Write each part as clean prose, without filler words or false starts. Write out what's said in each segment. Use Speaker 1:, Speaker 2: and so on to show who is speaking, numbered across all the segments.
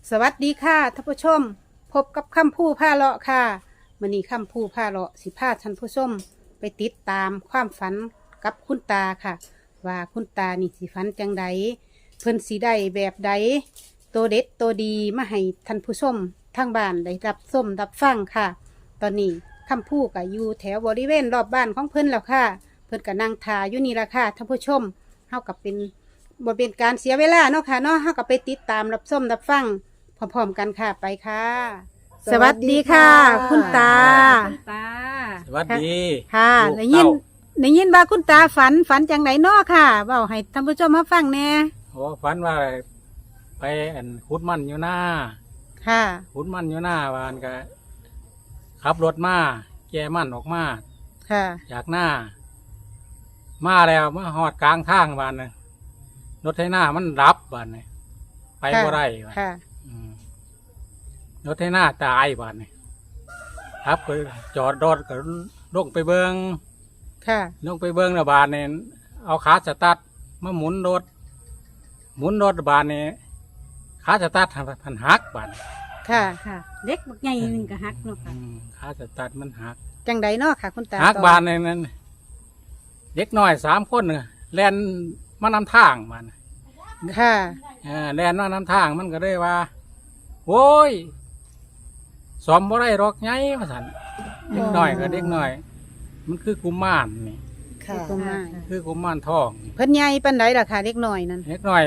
Speaker 1: สวัสดีค่ะท่านผู้ชมพบกับคำพูพาเลาะค่ะมื้อนี้คำพูพาเลาะสิพาท่านผู้ชมไปติดตามความฝันกับคุณตาค่ะ ว่าคุณตานี่สิฝันจังใดเพิ่นสิได้แบบใดตัวเด็ดตัวดีมาให้ท่านผู้ชมทางบ้านได้รับชมรับฟังค่ะ ตอนนี้คำพูก็อยู่แถวบริเวณรอบบ้านของเพิ่นแล้วค่ะ เพิ่นก็นั่งทาอยู่นี่ละค่ะท่านผู้ชมเฮากับบ่เป็นการเสียเวลาเนาะค่ะเนาะเฮาก็ไปติดตามรับชมรับฟังพร้อมๆกันค่ะไปค่ะ สวัสดีค่ะ คุณตา
Speaker 2: คุณตา
Speaker 3: สวัสดี
Speaker 1: ค่ะ
Speaker 3: ลูก
Speaker 1: ได้ยิน
Speaker 3: เต้า
Speaker 1: ได้ยินว่าคุณตาฝันจังไหนเนาะค่ะเว้าให้ท่านผู้ชมมาฟังแหน่
Speaker 3: โอ้ฝันว่าไปขุดมันอยู่หน้า
Speaker 1: ค่ะ
Speaker 3: ขุดมันอยู่หน้าวานก็ขับรถมาแกมันออกมา
Speaker 1: ค่ะ
Speaker 3: จากหน้า มาแล้วมาหอดกลางทางวานน่ะรถไถนามันดับบานน่ะไปบ่ได้วาน
Speaker 1: ค่ะ
Speaker 3: อืมรถไถนาตายบานน่ะครับก็จอดรถก็ลงไปเบิง
Speaker 1: ค่ะ
Speaker 3: ลงไปเบิ้งระบาดเนี่ยเอาขาสตาร์ทมาหมุนรถบาดเนี่ยขาสตาร์ทพันหักบาด
Speaker 1: ค่ะ
Speaker 2: ค่ะเด็กบักใหญ่หนึ่งก็ฮักเนาะค่ะ
Speaker 3: ขาสตาร์ทมันหัก
Speaker 1: จังใดเนาะค่ะ คุณตา
Speaker 3: หัก
Speaker 1: ต่อ
Speaker 3: บาดเนี่ยนั้นเด็กน้อย3 คนน่ะแล่นมานำทางบาดน่ะ
Speaker 1: ค่ะ
Speaker 3: แล่นมานำทางมันก็ได้ว่าโว้ยสอมบ่ได้หรอกไงว่าสันเด็กน้อยก็เด็กน้อย มันคือกุมารนี่
Speaker 1: ค่ะ
Speaker 3: คือกุมารทอง
Speaker 1: เพิ่นใหญ่ปานใดล่ะค่ะเล็กน้อยนั่น
Speaker 3: เล็กน้อย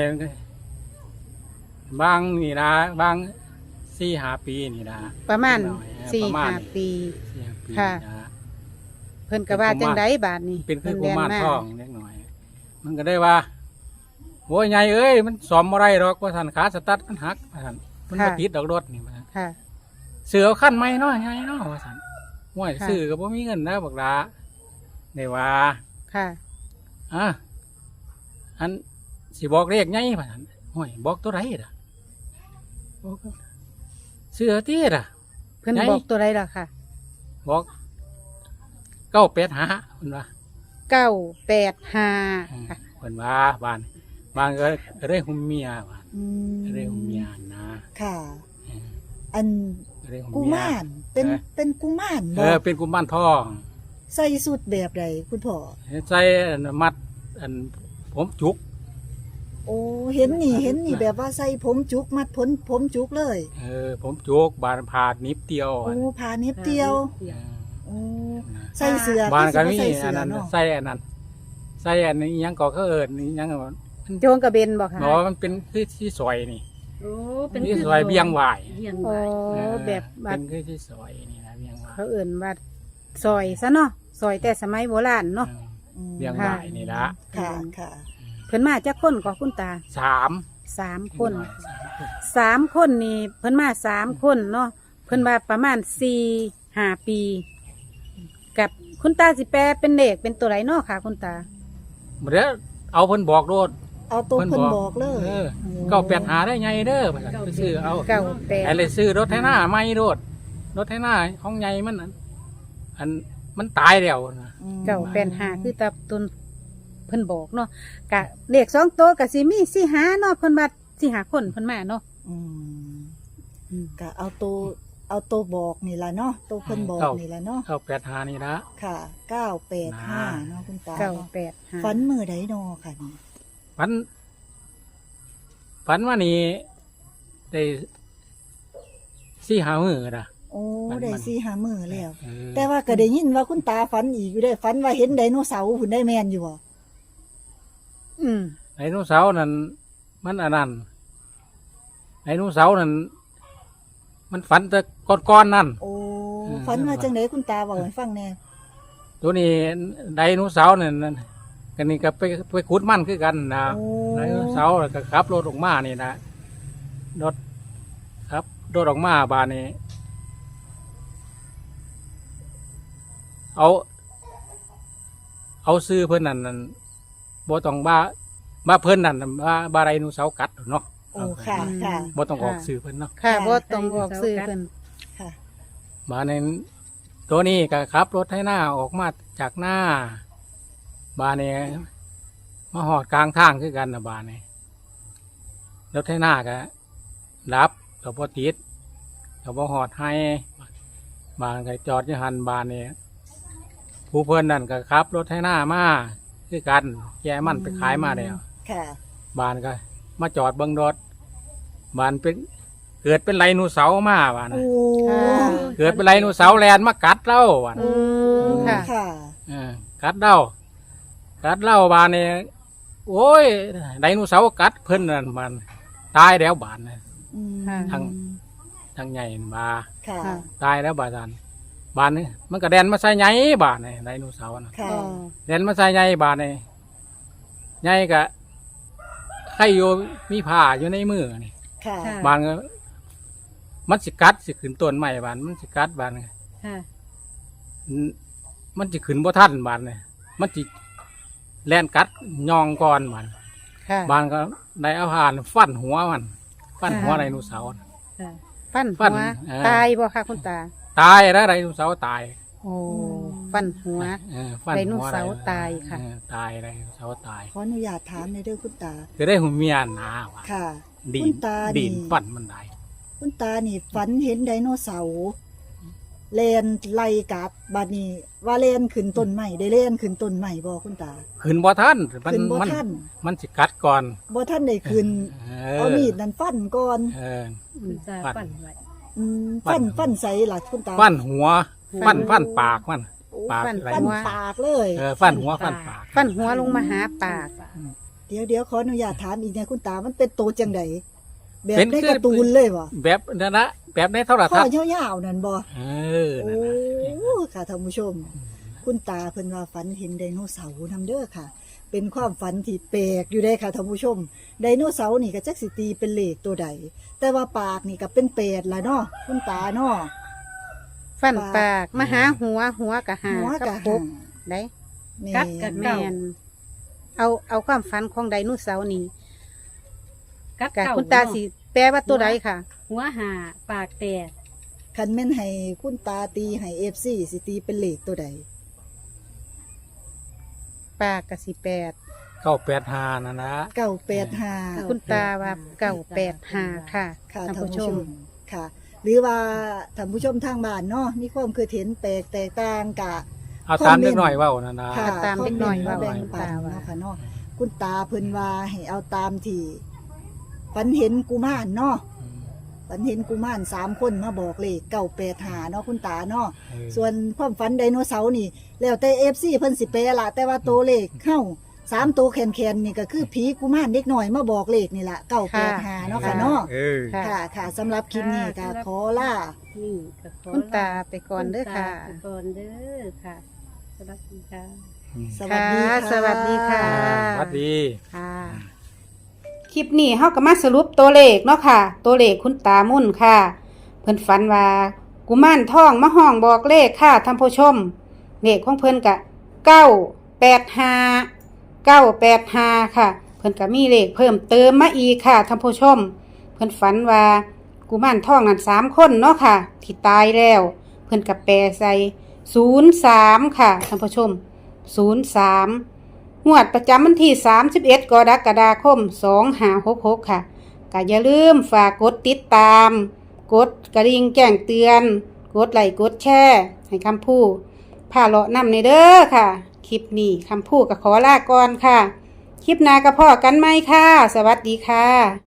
Speaker 3: บางนี่นะบาง4-5 ปีนี่นะ
Speaker 1: ประมาณ
Speaker 3: เล็กน้อยประมาณ
Speaker 1: 4-5 ปี
Speaker 3: 4-5 ปี
Speaker 1: ค่ะ
Speaker 3: นะ
Speaker 1: เพิ่นก็ว่าจังใดบาดนี้
Speaker 3: เป็นคือกุ
Speaker 1: เพิ่น
Speaker 3: มาร
Speaker 1: แล่น
Speaker 3: ทองเล็กน้อย มันก็ได้ว่าโอ้ยใหญ่เอ้ยมันสอมอะไรหรอกว่าสันขาสตัดมันหักว่าสันมันมาติดดอกรถนี่ว่าซั่น
Speaker 1: ค่ะ
Speaker 3: เสือเอาขั้นไม้น้อยใหญ่เนาะว่าสันห่วย
Speaker 1: ค่ะ
Speaker 3: ซื้อก็บ่มีเงินนะบักหลาได้ว่า
Speaker 1: ค่ะ
Speaker 3: อ่ะอันสิบอกเลขไงว่าสันห่วยบอกตัวไรล่ะบอกเสือตีล่ะ
Speaker 1: เพิ่น
Speaker 3: ไหน
Speaker 1: บอกตัวใดล่ะค่ะ
Speaker 3: บอก985เพิ่นว่า
Speaker 1: 985ค่ะ
Speaker 3: เพิ่นว่าบ้านก็ได้หุมเมียบ้าน
Speaker 4: อืม
Speaker 3: ก็ได้หุมเมียนะ
Speaker 4: ค่ะ
Speaker 3: เออ
Speaker 4: อัน
Speaker 3: ก็ได้หุม
Speaker 4: กุ
Speaker 3: เมีย
Speaker 4: มารเป็น
Speaker 3: เออ
Speaker 4: เป็นกุมาร
Speaker 3: เป็นกุมารทอง
Speaker 4: ใส่สุดแบบใดคุณพ่อ
Speaker 3: ใส่มัดอันผมจุก
Speaker 4: โอ้เห็นนี่แบบว่าใส่ผมจุกมัดผมจุกเลย
Speaker 3: ผมจุกบานผ่านิบเดียว
Speaker 4: โอ้พาเน็บเดียว
Speaker 3: เออ
Speaker 4: โอ้ใส่เสื้อ
Speaker 3: บ้านก็
Speaker 4: คือ
Speaker 3: มี
Speaker 4: สิบ่ใส่
Speaker 3: อั
Speaker 4: เสื้
Speaker 3: น
Speaker 4: อ
Speaker 3: นั้น
Speaker 4: เนาะ
Speaker 3: ใส่อันนั้นใส่อันนี้ยังก็เขาเอิญนี่ยังก็
Speaker 1: โจงกระเบนบอกค่ะ
Speaker 3: หมอมันเป็นคือที่ซอยนี่
Speaker 2: โอ้เป็น
Speaker 3: ที่ซอยเบียงหวาย
Speaker 2: เบียง
Speaker 1: โอ้
Speaker 2: วาย
Speaker 3: เออ
Speaker 1: แบบว่า
Speaker 3: เป็นคือที่ซอยนี่นะเบียงหวาย
Speaker 1: เขาเอิ่นว่าซอยซะเนาะซอยแต่สมัยโบราณเนาะ
Speaker 4: อืม
Speaker 3: เบียงหวายนี่ละ
Speaker 4: ค่ะค่ะ
Speaker 1: เพิ่นมาจากคนก็คุณตา
Speaker 3: 3
Speaker 1: 3 คน
Speaker 3: 3
Speaker 1: 3 คนนี่เพิ่นมา3 คนเนาะเพิ่นว่าประมาณ4-5 ปี กับคุณตาสิแปลเป็นเลขเป็นตัวไรเนาะค่ะ คุณตา
Speaker 3: เดี๋ยวเอาเพิ่นบอกโลด
Speaker 4: เอาตัวเพิ่นบอกเลย
Speaker 3: 985ได้ไงเด้อไปซื้อเอา
Speaker 1: 98
Speaker 3: ไอ้เลยซื้อรถไถนาไม่รถไถนาของใหญ่มันอันมันตายแล้วนะ
Speaker 4: อืม
Speaker 1: 985คือตาตุนเพิ่นบอกเนาะกะเลข2ตัวกะสิมี4-5เนาะเพิ่นว่า4-5 คนเพิ่นมาเนาะ
Speaker 4: อืม
Speaker 1: อืม
Speaker 4: ก็เอาตัวบอกนี่ล่ะเนาะตัวเพิ่นบอกนี่ล่ะเนาะ
Speaker 3: 985นี่ละ
Speaker 4: ค่ะ985เนาะคุณตาเนาะ
Speaker 1: 985
Speaker 4: ฝันมือใดเนาะค่ะนี่
Speaker 3: ฝันว่านี่ได้4-5 มื้อนะ
Speaker 4: โอ้
Speaker 3: ฝัน
Speaker 4: ได้
Speaker 3: มัน
Speaker 4: 4-5มื้อแล้ว
Speaker 3: เออ
Speaker 4: แต่ว่าก็ได้ยินว่าคุณตาฝันอีกอยู่ได้ฝันว่าเห็นไดโนเสาร์หุ่นได้แมนอยู่บ่
Speaker 1: อืม
Speaker 3: ไดโนเสาร์นั่นมันอันนั้นไดโนเสาร์นั่นมันฝันแต่ก้อนๆนั่น
Speaker 4: โอ้
Speaker 3: อืม
Speaker 4: ฝันว่าจังไดคุณตาบอกให้ฟังแน่
Speaker 3: ตัวนี้ไดโนเสาร์นั่นกันนี่ก็ไปขุดมันคือกันนะ
Speaker 4: โอ้
Speaker 3: ไดโนเสาร์แล้วก็ขับรถออกมานี่นะรถครับรถออกมาบานนี้เอาซื้อเพิ่นนั่นบ่ต้องบ้าเพิ่นนั่นบ้าไดโนเสาร์กัดเนาะ
Speaker 4: โอ้ค่ะค่ะ
Speaker 3: บ่ต้องออกซื้อเพิ่นเนาะ
Speaker 1: ค่ะบ่ต้องบอกซื้อเพิ่น
Speaker 4: ค่ะ
Speaker 3: บานนี้ตัวนี้ก็ขับรถให้หน้าออกมาจากหน้าบานนี้มาหอดกลางทางคือกันนะบานนี้รถให้หน้าก็ดับก็บ่ติดก็บ่ฮอดให้บานก็จอดอยู่หันบานนี่ผู้เพิ่นนั่นก็ขับรถให้หน้ามาคือกันแกมันไปขายมาแล้ว
Speaker 4: ค่ะ
Speaker 3: บานก็มาจอดเบิ่งรถบานเป็นเกิดเป็นไดโนเสาร์มาบาน
Speaker 4: โอ้
Speaker 1: ค่ะ
Speaker 3: เกิดเป็นไดโนเสาร์แลนมากัดเราบาน
Speaker 1: อืมค่ะ
Speaker 4: ค่ะ
Speaker 3: กัดเราบานนี่โอ้ยไดโนเสาร์กัดเพิ่นนั่นมันตายแล้วบานน่ะ
Speaker 4: อืม
Speaker 1: ค่ะ
Speaker 3: ทั้งใหญ่มา
Speaker 4: ค่ะ
Speaker 1: ค่ะ
Speaker 3: ตายแล้วบานนี่มันก็แดนมาใส่ใหญ่บานนี่ไดโนเสาร์น่ะ
Speaker 4: ค่ะ
Speaker 1: อ๋อ
Speaker 3: แดนมาใส่ใหญ่บานนี่ใหญ่ก็ใครอยู่มีผ้าอยู่ในมือนี่
Speaker 4: ค่ะ
Speaker 2: ค่ะ
Speaker 3: บานก็มันสิกัดสิขึ้นต้นใหม่บานมันสิกัดบาน
Speaker 2: ค่ะ
Speaker 3: มันสิขึ้นบ่ทันบานนี่มันสิแล่นกัดยองก่อนบาน
Speaker 1: ค่ะ
Speaker 3: บานก็ได้เอาผ่านฟันหัวมันฟันหัวไดโนเสาร์น่ะ
Speaker 2: ค่ะ
Speaker 1: ฟัน
Speaker 3: ฟั
Speaker 1: หั
Speaker 3: น
Speaker 1: ว
Speaker 3: ตาย
Speaker 1: ตายบ่ค่ะคุณตา
Speaker 3: ตายแล้วไดโนเสาร์ตาย
Speaker 1: โอ้ฟันหัว
Speaker 3: ฟัน
Speaker 1: ได
Speaker 3: หัว
Speaker 1: โนเสาร์ตายค่ะ
Speaker 3: ตายไดโนเสาร์ตาย
Speaker 4: ขออนุญาตถามในอยเด้อคุณตา
Speaker 3: จะได้หุ่นเมียหนาว่ะ
Speaker 4: ค่ะ
Speaker 3: ดี
Speaker 4: คุณตานี่
Speaker 3: ดีนฟันมันได้
Speaker 4: คุณตานี่ฝันเห็นไดโนเสาร์แลนไล่กัดบัดนี้ว่าแลนขึ้นต้นใหม่ได้แลนขึ้นต้นใหม่บ่คุณตา
Speaker 3: ขึ้นบ่ทันมัน
Speaker 4: ขึ้นบ่
Speaker 3: มัน
Speaker 4: ทัน
Speaker 3: มันสิกัดก่อน
Speaker 4: บ่ทันได้ขึ้น เอามีดนั่นฟันก่อน
Speaker 3: เออ
Speaker 2: คุณตา
Speaker 3: ฟัน
Speaker 2: ปั่นไว้
Speaker 4: อืม
Speaker 3: ฟั
Speaker 4: ฟั
Speaker 3: น
Speaker 4: นฟันใส่ล่ะคุณตา
Speaker 3: ฟันหัว ฟันปากมัน
Speaker 4: โอ้
Speaker 3: ปาก
Speaker 1: ฟัน
Speaker 3: ไหล
Speaker 4: ฟัน
Speaker 1: หัว
Speaker 4: ปากเลย
Speaker 3: ฟันหัวฟันปาก
Speaker 1: ฟันหัวลงมาหาปาก
Speaker 4: เดี๋ยวขออนุญาตถามอีกนะคุณตามันเป็นโตจังไดแบบ
Speaker 3: เป็น
Speaker 4: ในการ์ตูนเลยบ่
Speaker 3: แบบนั้นนะแบบในโทร
Speaker 4: ข้
Speaker 3: ทั
Speaker 4: อ
Speaker 3: ศน์
Speaker 4: ยาวๆนั่นบ่
Speaker 3: เออ
Speaker 4: โอ้
Speaker 3: นั่นน่ะ
Speaker 4: ค่ะท่านผู้ชม คุณตาเพิ่นว่าฝันเห็นไดโนเสาร์นำเด้อค่ะ เป็นความฝันที่แปลกอยู่ได้ค่ะท่านผู้ชม ไดโนเสาร์นี่ก็จักสิตีเป็นเลขตัวใด แต่ว่าปากนี่ก็เป็น8ล่ะเนาะคุณตาเนาะ
Speaker 1: ฟันปากมาหาหัวกะหา
Speaker 4: หัว
Speaker 1: กั
Speaker 4: กะ
Speaker 1: บ
Speaker 4: ห
Speaker 1: ปุบ
Speaker 4: ง
Speaker 1: ได้
Speaker 4: นี่
Speaker 2: กัดกัน
Speaker 1: แมนเอาความฝันของไดโนเสาร์นี่
Speaker 2: กัด
Speaker 1: กะ
Speaker 2: เก่า
Speaker 1: คุณตาสิแปลว่าตัวใดค่ะ
Speaker 2: หัวหาปากแตก
Speaker 4: คันแม่นให้คุณตาตีให้ FC สิตีเป็นเลขตัวใด
Speaker 1: ปากกะสิ8
Speaker 3: 985นั่นนะ
Speaker 4: 985
Speaker 1: คุณตาว่า985ค่ะ
Speaker 4: ค่ะ
Speaker 1: ท่าน
Speaker 4: ท่าน
Speaker 1: ผู้
Speaker 4: ผู้
Speaker 1: ช
Speaker 4: ช
Speaker 1: ม
Speaker 4: มค่ะ หรือว่าท่านผู้ชมทางบ้านเนาะมีความคิดเห็นแปลกแตกต่างกะ
Speaker 3: เอาตามเล็กหน่อยเว่านั่นนะ
Speaker 4: ค่ะ
Speaker 1: ตามเล็กน้อย
Speaker 4: คมม
Speaker 1: ว่า
Speaker 4: ต์แบ่งปัน
Speaker 1: ว่า
Speaker 4: เนาะค่ะเนาะคุณตาเพิ่นว่าให้เอาตามที่ฝันเห็นกุมารเนาะฝันเห็นกุมาร3 คนมาบอกเลข985เนาะคุณตาเนาะส่วนความฝันไดโนเสาร์นี่ แล้วแต่ FC เพิ่นสิแปลละแต่ว่าตัวเลขเข้า3 ตัวแคนๆนี่ก็คือผีกุมารเด็กน้อยมาบอกเลขนี่ล่ะ985เนาะค่ะเนาะ
Speaker 3: เออ
Speaker 1: ค่ะ
Speaker 4: ค่ะค่ะสำหรับคลิปนี้ก็ขอล่า
Speaker 2: นี่ก็ขอ
Speaker 1: คุณตาไปก่อนเด้อค่ะ
Speaker 2: ณตาไปก่อนเด้อค่ะสวัสดีค่ะ
Speaker 4: สวัสดีค่ะ
Speaker 1: สวัสดีค่ะ
Speaker 3: สวัสดี
Speaker 1: ค่ะ คลิปนี้เฮาก็มาสรุปตัวเลขเนาะค่ะ ตัวเลขคุณตามุ่นค่ะ เพิ่นฝันว่ากุมารทองมาห้องบอกเลขค่ะท่านผู้ชม เลขของเพิ่นก็985ค่ะ เพิ่นก็มีเลขเพิ่มเติมมาอีกค่ะท่านผู้ชม เพิ่นฝันว่ากุมารทองนั้น3 คนเนาะค่ะ ที่ตายแล้ว เพิ่นก็แปลใส่03ค่ะท่านผู้ชม03งวดประจำวันที่31 กรกฎาคม 2566ค่ะก็อย่าลืมฝากกดติดตาม กดกระดิ่งแจ้งเตือน กดไลค์กดแชร์ให้คำพูดพาเลาะนำในเด้อค่ะ คลิปนี้คำพูดก็ขอลาก่อนค่ะ คลิปหน้าก็พอกันไหมค่ะ สวัสดีค่ะ